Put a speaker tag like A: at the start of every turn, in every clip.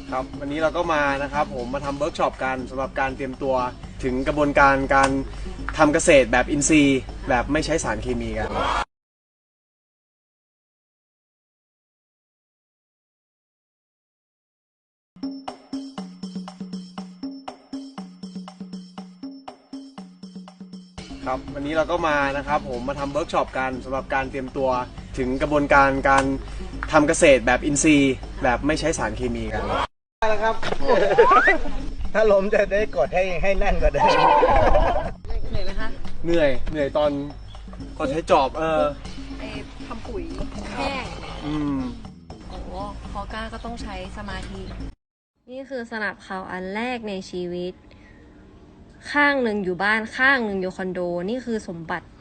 A: ครับวันนี้เราก็มานะครับผมมาทำเวิร์กช็อปกันสำหรับการเตรียมตัวถึงกระบวนการการทำเกษตรแบบอินทรีย์แบบไม่ใช้สารเคมีกันครับวันนี้เราก็มานะครับผมมาทำเวิร์กช็อปกันสำหรับการเตรียมตัวถึงกระบวนการการทำเกษตรแบบอินทรีย์แบบไม่ใช้สารเคมีกันแล้วครับ
B: ถ้าล้มจะได้กดให้แน่นกว่าเดิม
C: เหนื่อยไหมคะ
A: เหนื่อยตอนใช้จอบ
C: ไปทำปุ๋ยแห้งโอ้พอก้าก็ต้องใช้สมาธินี่คือสนับเขาอันแรกในชีวิตข้างหนึ่งอยู่บ้านข้างหนึ่งอยู่คอนโดนี่คือสมบัติ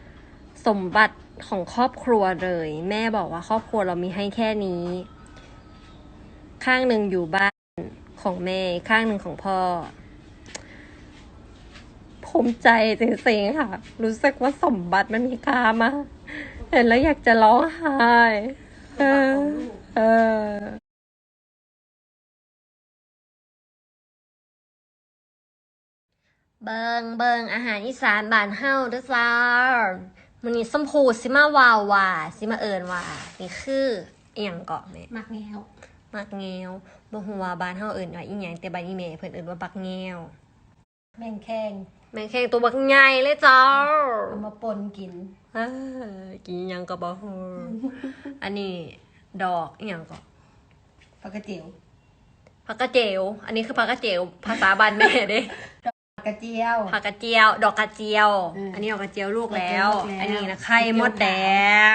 C: ของครอบครัวเลยแม่บอกว่าครอบครัวเรามีให้แค่นี้ข้างหนึ่งอยู่บ้านของแม่ข้างหนึ่งของพ่อภูมิใจจริงๆค่ะรู้สึกว่าสมบัติมันมีค่ามากเห็นแล้วอยากจะร้องไห้เบิงอาหารอีสานบ้านเฮาเด้อจ้ามันนี่ส้มผูสิมาวาวว่าสิมาเอิญว่านี่คืออีหยังเกาะแม่
D: มักแงว
C: บ่ฮู้ว่าบ้านเฮาเอิ้นว่าอีหยังแต่บ้านอีแม่เพิ่นเอิ้นว่าบักแงว
D: แมงแข้ง
C: ตัวบักใหญ่เลยจ้า
D: เอามาปนกิน
C: กินหยังก็บ่ฮู้อันนี้ดอกอีหยังก็
D: ผักกระเจียว
C: อันนี้คือผักกระเจียวภาษาบ้านแม่เด้
D: ผักกระเจียว
C: ดอกกระเจียวอันนี้ดอกกระเจียวลูกแล้วอันนี้นะไข่มดแดง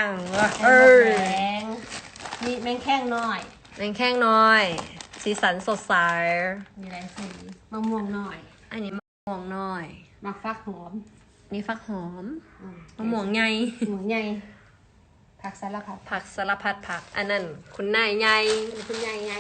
D: มีแมงแข้งน้อย
C: สีสันสดใส
D: มีหลายสีมะม่วงน้อย
C: อันนี้มะม่วงน้อย
D: มะฟักหอม
C: นี่ฟักหอมมะม่วงใหญ่
D: ผักสารพัด
C: ผักอันนั้นคุณนายใหญ่
D: คุณยายใหญ่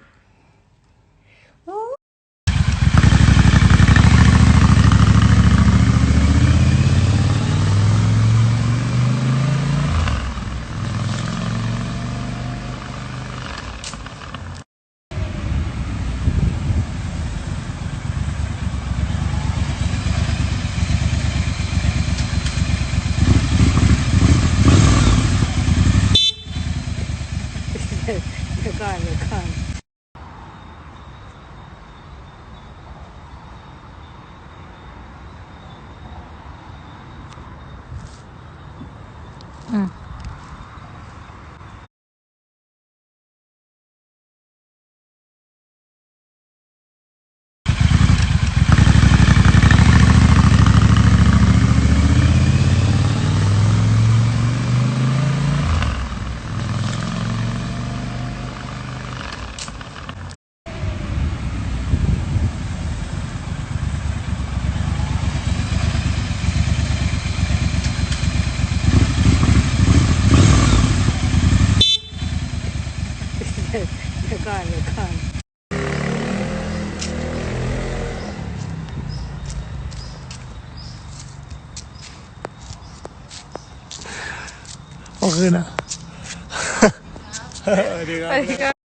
C: เดี๋ยวก่อน
A: โอเคนะสวัสดีครับ